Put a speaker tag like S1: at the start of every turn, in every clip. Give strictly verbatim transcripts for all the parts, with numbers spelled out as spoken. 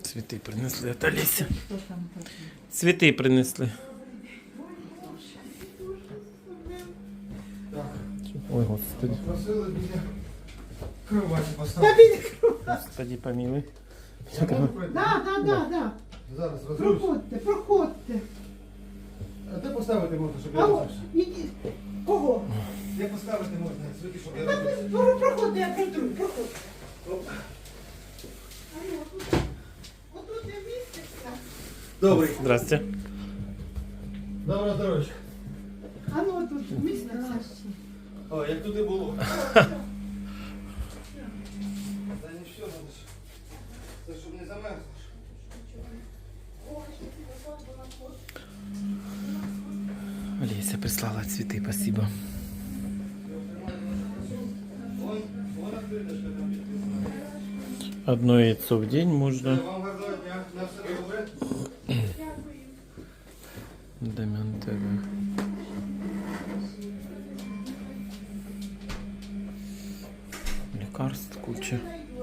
S1: Цветы принесли от Олеся.
S2: Что там такое?
S1: Цветы принесли. Ой, господи.
S3: Просили біля кроваті поставити.
S1: Господи, помилуй.
S3: Я можу пройти?
S2: Да, да, да, да.
S3: Зараз розумієш.
S2: Проходьте, проходьте.
S3: А де поставити можна, щоб я
S2: Алло,
S3: розумівся?
S2: ідіть. Кого?
S3: Де поставити можна, світі, щоб я
S2: Та
S3: розумівся?
S2: ви про- проходьте, я протру, проходьте. Алло, отут- отут не міститься.
S3: Добрий.
S1: Здрасте.
S3: Доброго здоров'я.
S2: А ну отут міститься.
S3: О, як тут і було. Та не все, надо ж. Це щоб не замерзнеш.
S1: Олеся прислала цветы, спасибо.
S3: Вон, вон відкриточка там підписана.
S1: Одно яйцо в день можно.
S3: Вам гарного дня. На все добре.
S1: Дем'ян ТВ. Лекарств куча.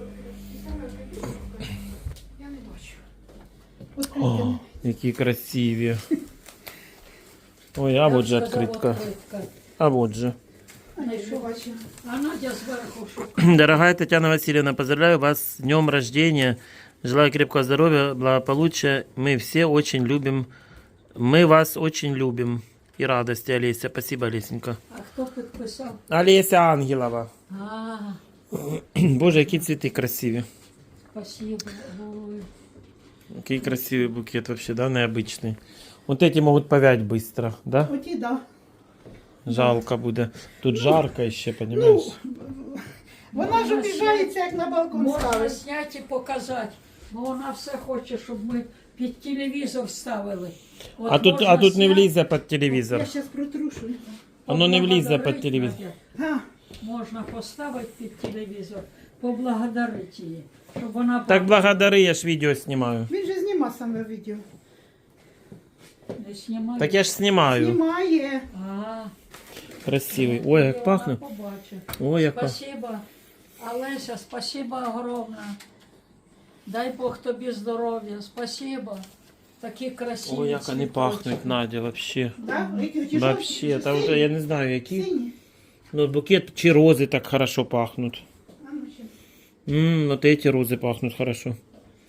S2: Я не бачу. От
S1: О, які красиві. Ой, а вот же открытка. А вот же.
S2: не бачу.
S4: А Надя зверху що?
S1: Дорогая Татьяна Васильевна, поздравляю вас с днем рождения. Желаю крепкого здоровья, благополучия. Мы все очень любим. Мы вас очень любим. И радости, Олеся. Спасибо, Олесенька.
S4: А хто підписав?
S1: Олеся Ангелова.
S4: А,
S1: Боже, які цвіти красиві.
S4: спасибо. Ой.
S1: Який красивий букет вообще, да, необычный. Вот эти могут повять быстро, да?
S2: Оті, да.
S1: Жалко буде. Тут жарко ще, понимаешь?
S2: Вона ж обіжається, як на балкон
S4: Можна
S2: ставить.
S4: зняти і показати. Бо вона все хоче, щоб ми під телевізор ставили. От
S1: А тут,
S4: можна
S1: а тут не
S4: зняти,
S1: влізе під телевізор.
S2: Я зараз протрушу.
S1: Воно не влізе під
S4: поблагодарити,
S1: телевізор.
S4: Надя.
S2: А,
S4: Можна поставити під телевізор, поблагодарити її, щоб вона
S1: Так благодари, я ж відео знімаю.
S2: він же зніма саме відео.
S4: не знімає.
S1: Так я ж знімаю.
S2: Знімає.
S4: А,
S1: Красивий. Ой, як
S4: вона
S1: пахне.
S4: побачить.
S1: Ой, як пахне.
S4: Спасибо, Олеся, спасибо огромне. Дай Бог тобі здоров'я, спасибо. Такі красиві.
S1: Ой, як вони
S4: цвіточки.
S1: пахнуть, Надя, вообще.
S2: Да? Які оті
S1: Вообще,
S2: жовті,
S1: та
S2: чи
S1: вже я не знаю, які.
S2: сині?
S1: Ну, букет чи рози так хорошо пахнуть.
S2: А ну ще.
S1: Ммм, вот эти розы пахнут хорошо.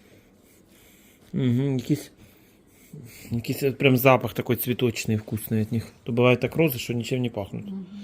S1: Угу, якийсь, якийсь от прям запах такой цветочный, вкусный от них. То бывает так розы, что ничем не пахнут.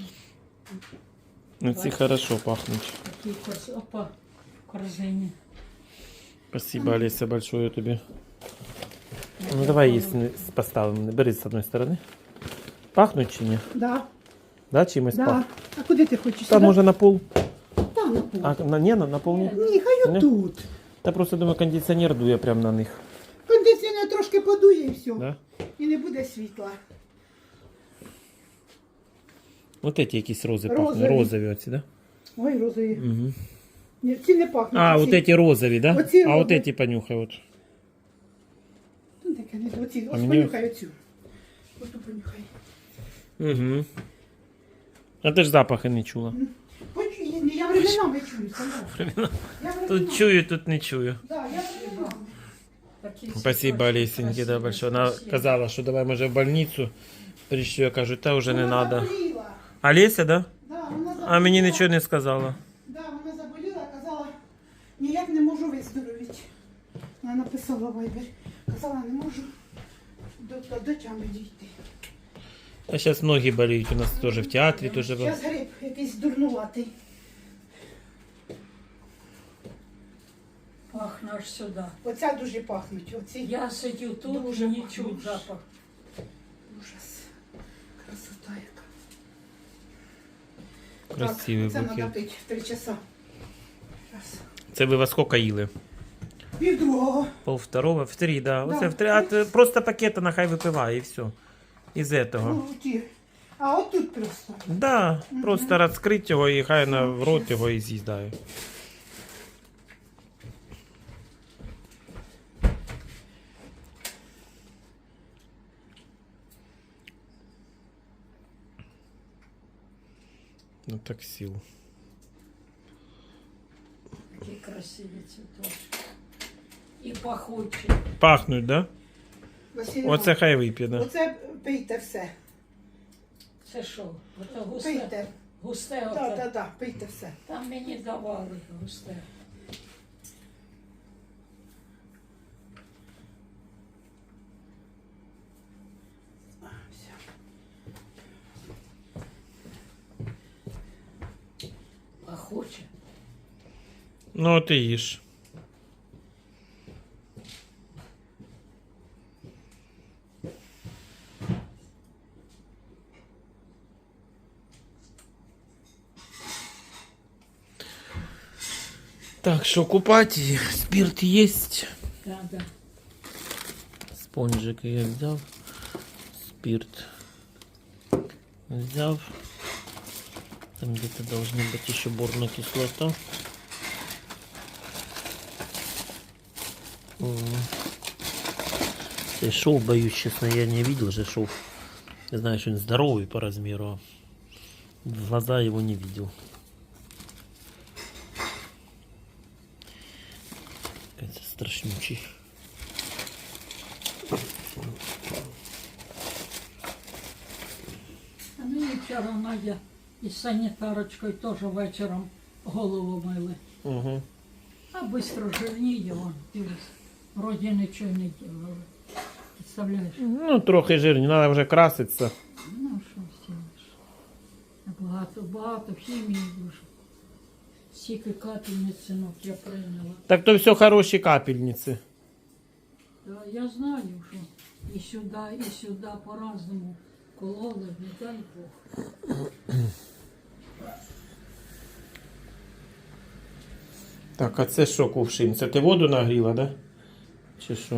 S1: Эти хорошо пахнут.
S4: Такі кос... Опа, в корзині.
S1: Спасибо, Олеся, большое тебе. Ну давай если поставим, бери с одной стороны. Пахнуть чи ні?
S2: Да,
S1: Да, чимось
S2: да.
S1: пахнуть?
S2: А куди ти хочеш?
S1: Там
S2: Сюди?
S1: може на пол.
S2: Там на пол.
S1: А, на, не, на, на пол ні?
S2: Ні, хай
S1: Ні?
S2: отут.
S1: Та просто думаю, кондиціонер дує прямо на них.
S2: Кондиціонер трошки подує і все.
S1: Да?
S2: І не буде світла.
S1: Вот эти якісь рози
S2: Розові.
S1: пахнуть. Розові оці, да?
S2: Ой, розові.
S1: Угу.
S2: Ні, ці не пахнуть.
S1: А,
S2: ці.
S1: вот эти розові, да?
S2: Оці
S1: А вот
S2: розові.
S1: эти понюхай вот.
S2: Ну, таке не оці.
S1: А
S2: Ось
S1: мені-
S2: понюхай оцю. Оту понюхай.
S1: Угу. А ти ж запахи не чула.
S2: Хочу, я, я временами чую, Сандра. Я
S1: Тут
S2: временами.
S1: чую, тут не чую.
S2: Да, я временами.
S4: Такі
S1: Спасибо,
S4: цвіточки
S1: Олесеньки, да,
S4: красиві,
S1: большое. Она
S4: спасибо.
S1: казала, что давай, може, в больницу. Прийшли, я кажу, та вже не
S2: Вона
S1: надо.
S2: заболіла.
S1: Олеся, да?
S2: Да, вона заболіла.
S1: А мені нічого не сказала.
S2: Да, вона заболіла, казала, ніяк не можу виздоровіти. Вона написала в Viber. Казала, не можу до, до, до тями дійти.
S1: А зараз многие болеют, у нас теж в театрі теж. был.
S2: Зараз гриб якийсь дурнуватий.
S4: Пахне аж сюди.
S2: Оця дуже пахнуть. Оці
S4: Я сидю тут,
S2: Дуже
S4: не
S2: пахне.
S4: чуть запах.
S2: ужас. Красота яка.
S1: Красивий
S2: так, це треба
S1: букет.
S2: пити в три часа. Раз.
S1: Це ви во сколько їли?
S2: Пів другого.
S1: Пол второго, в три, да.
S2: Да.
S1: Оце в три, а ти просто пакета нахай випиває і все. Із этого.
S2: Ну, ті. А от тут просто.
S1: Да, просто розкрить його і хай на в рот його і з'їдає. Ну так сил.
S4: Такі красиві цвіточки. і пахучі.
S1: Пахнуть, да?
S2: Василь
S1: Оце
S2: Іванович,
S1: хай вип'є, да?
S2: оце пийте все.
S4: Це що? Ото густе?
S2: Пийте.
S4: Густе
S2: Так,
S4: оце?
S2: так, так, пийте все.
S4: Там мені давали густе.
S2: А, все.
S4: Пахуче.
S1: Ну, ти їж. Так, що купати їх? Спирт є.
S4: Да, да.
S1: Спонжик я взяв. Спирт взяв. Там где-то должна быть еще борная кислота. О. Ты шов, боюсь, честно, я не видел же шов. Я знаю, что он здоровый по размеру. а В глаза его не видел. Какой-то страшнючий.
S4: А мені вчора Надя із санітарочкою теж вечором голову мили.
S1: Угу.
S4: А швидко жирніє, вон, дивись. Вроді нічого не делали. Представляєш?
S1: Ну, трохи жирні, треба вже краситися.
S4: Ну, що зробиш? Багато, багато хімії дуже. Стільки капельниць, синок, я прийняла.
S1: Так то все хороші капельниці.
S4: Да, я знаю, що і сюди, і сюди по-разному кололи, не дай Бог.
S1: Так, а це що, кувшин? Це ти воду нагріла, да? Чи що?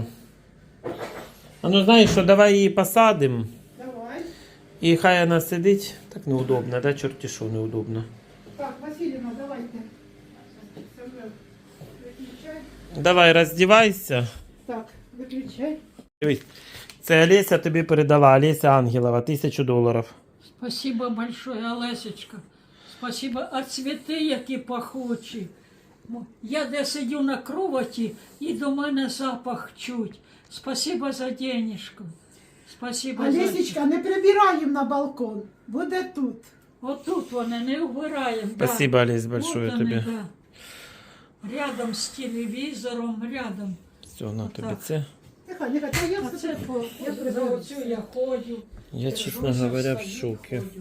S1: А ну знаєш що, давай її посадимо.
S2: Давай.
S1: І хай вона сидить. Так неудобно, да? Чорті що неудобно.
S2: Так, Василіна, давайте. Самвел, виключай.
S1: Давай, роздівайся.
S2: Так, виключай.
S1: Дивись, це Олеся тобі передала, Олеся Ангелова, тисячу доларів.
S4: Спасибо большое, Олесечка. Спасибо. А цвіти, які пахучі. Мо- Я де сидю на кроваті, і до мене запах чуть. Спасибо за денежку. Спасибо за...
S2: Олесечка, не прибираємо на балкон. Буде тут.
S4: Отут вони не вбираємо.
S1: Спасибо, Олесь,
S4: да.
S1: большое
S4: Вот вони,
S1: тобі.
S4: да. Рядом з телевізором, рядом.
S1: Все, на тобі
S4: Так.
S1: це.
S2: Нехай, нехай, та я
S4: А
S2: все
S4: це по,
S2: я
S4: за оцю я ходжу.
S1: Я,
S4: держуся,
S1: чесно говоря, в
S4: встаю,
S1: шокі.
S4: ходжу.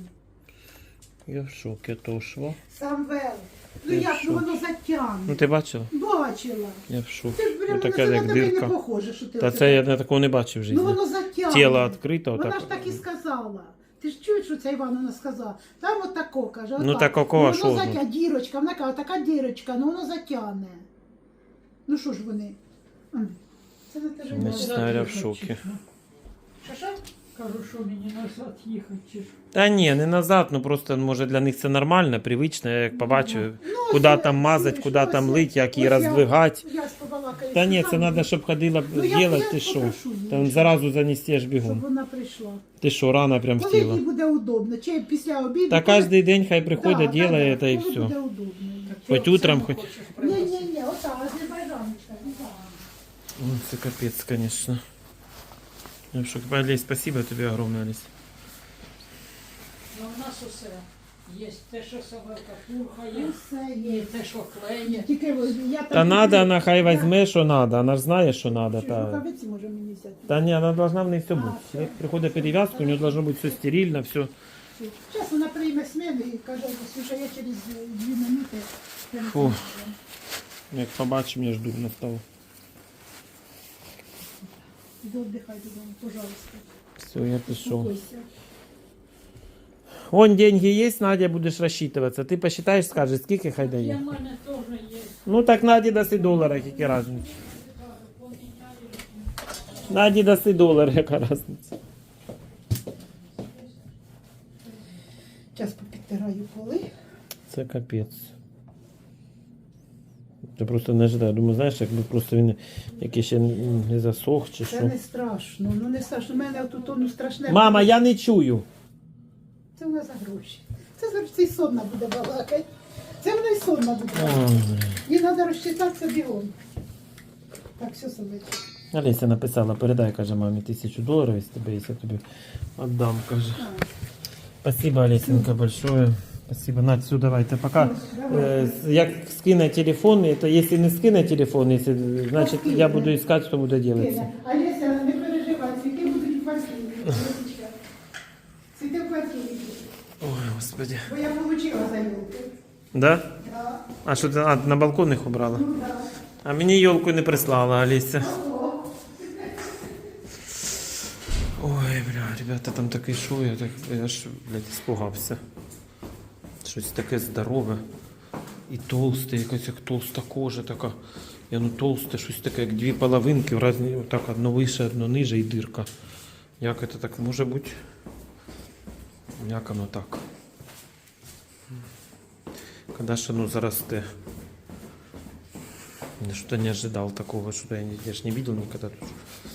S1: Я в шокі, то шво.
S2: Самвел. Ну
S1: Ти
S2: як,
S1: що?
S2: ну воно затягне.
S1: Ну ти бачила?
S2: Бачила.
S1: Я в шокі.
S2: Ти ж прямо
S1: Ну
S2: на
S1: така
S2: тебе
S1: як
S2: на тебе не
S1: дирка.
S2: похоже, що ти
S1: Та
S2: оце
S1: це я
S2: так.
S1: не такого не бачив в житті.
S2: Ну воно затягне.
S1: Тіло відкрите,
S2: Вона
S1: отак.
S2: ж так і сказала. Ти ж чуєш, що ця Івановна сказала? Там от тако, каже.
S1: Ну,
S2: отак.
S1: такого,
S2: ну,
S1: що
S2: воно
S1: ж,
S2: затягне, дірочка. Вона каже, така дірочка, ну воно затягне. Ну що ж вони? М. Це на тебе
S1: Не
S2: не
S1: знаю, я в
S4: їхати,
S1: шокі.
S4: чи що?
S2: Що, що?
S4: Кажу, що мені назад їхати. чи що?
S1: Та ні, не назад, ну просто може для них це нормально, привично, я як побачив,
S2: Ну,
S1: куди
S2: ось,
S1: там мазати,
S2: ось,
S1: куди
S2: ось,
S1: там
S2: ось,
S1: лить, як її
S2: ось я-
S1: роздвигати.
S2: Я ж побалакаю.
S1: Та ні,
S2: з
S1: це
S2: Сусаною,
S1: треба, щоб ходила
S2: Ну, я-
S1: зробити,
S2: я
S1: ти що?
S2: попрошу її,
S1: Там
S2: щоб-
S1: зразу занести аж
S2: щоб
S1: бігом.
S2: вона прийшла.
S1: Ти що, рано прям
S2: Коли їй
S1: втіла.
S2: буде удобно, чи після обіду.
S1: Та
S2: коли-
S1: кожен день хай приходить,
S2: Да, да,
S1: делає,
S2: да,
S1: та і
S2: коли
S1: все.
S2: буде удобно.
S1: Хоть
S4: Ти
S1: утром,
S4: оце не
S1: хоть-
S4: хочеш
S2: Ні,
S4: привезти?
S2: ні, ні, отак, азербайджаночка, ну так.
S1: Ну, це капець, звісно. Я в шокі. Олесь, спасибо тобі огромне, Олесь.
S4: Ну, у нас усе є. Те, що собака пурха
S2: Ну,
S4: є,
S2: все
S4: і
S2: є.
S4: те, що клеє.
S2: Тільки ось я там...
S1: Та надо, вона хай
S2: Я-
S1: візьме, що надо, вона ж знає, що надо.
S2: Чи ж
S1: Та,
S2: рукавиці може мені взяти?
S1: та ні, вона должна в неї все
S2: А,
S1: бути.
S2: все.
S1: Як приходить перев'язка, у нього должно бути все стерильно, все.
S2: Зараз вона прийме смену і каже, Ксюша, я через дві минути.
S1: Фу. Як побачимо, я жду настав.
S2: Іди віддихай додому, пожалуйста.
S1: Все, я пішов.
S2: Успокойся.
S1: Вон деньги є, Надя, будеш розчитуватися. Ти посчитаєш, скажеш, скільки хай
S4: Для
S1: дає.
S4: мене теж є.
S1: Ну так Наді даси долара, яка різниця. Наді даси долар, яка різниця.
S2: Зараз попідтираю поли.
S1: Це капець. Ти просто не ожидаю. Думаю, знаєш, якби просто він якийсь ще не засох чи
S2: Це
S1: що.
S2: не страшно, ну не страшно. У мене тут ну, страшне.
S1: Мама, я не чую.
S2: Це вона за гроші. Це за це й сонна буде балакати. Це вона й сонна буде.
S1: Ой,
S2: балакати. Їй треба розчитатися бігом. Так, все, собачка.
S1: Олеся написала, передай, каже, мамі тисячу доларів, із тебе, якщо я тобі віддам, каже. Спасибо, Олесенька, большое. Спасибо. Надь, все, давайте, пока. Э, як скине телефон, это если не скине телефон, если, значит, я буду искать, что буду делать.
S2: Олеся, не переживай, цвіти будуть в квартирі. Олесечка. Цвіти в квартирі.
S1: Ой, господи.
S2: Бо я отримала за елки.
S1: Да?
S2: Да.
S1: А що ти а, на балкон їх убрала?
S2: Ну, да.
S1: А мені елку не прислала, Олеся. Ой, бля, ребята, там такий шоу, я так, я аж, блядь, испугався. Щось таке здорове і толсте, якась як толста кожа така. Я ну толсте, щось таке, як дві половинки, в разні, так, одно вище, одно ниже і дирка. Як це так може бути? Як воно так? Когда ж оно зарасте? Я что-то не ожидал такого, что я, не- я ж не видел никогда тут.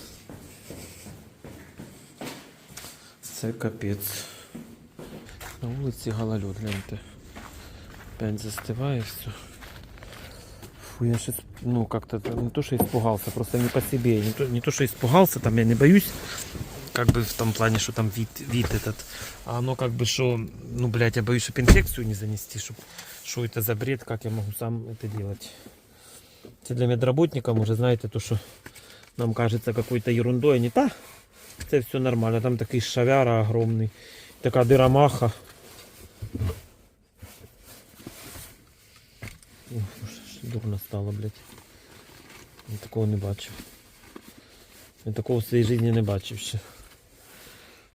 S1: Це капець. На вулиці гололед, гляньте. Опять застывает все. Фу, я сейчас, ну, как-то не то, что испугался, просто не по себе. Не то, не то, что испугался, там я не боюсь, как бы в том плане, что там вид, вид этот. А оно как бы, что, ну, блядь, я боюсь, чтобы инфекцию не занести, чтобы, что это за бред, как я могу сам это делать. Это для медработников уже, знаете, то, что нам кажется какой-то ерундой, а не та. Это все нормально, там такой шавяра огромный, такая дыромаха. Ох, аж дурно стало, блядь. Я такого не бачив. Я такого в своїй житті не бачив ще.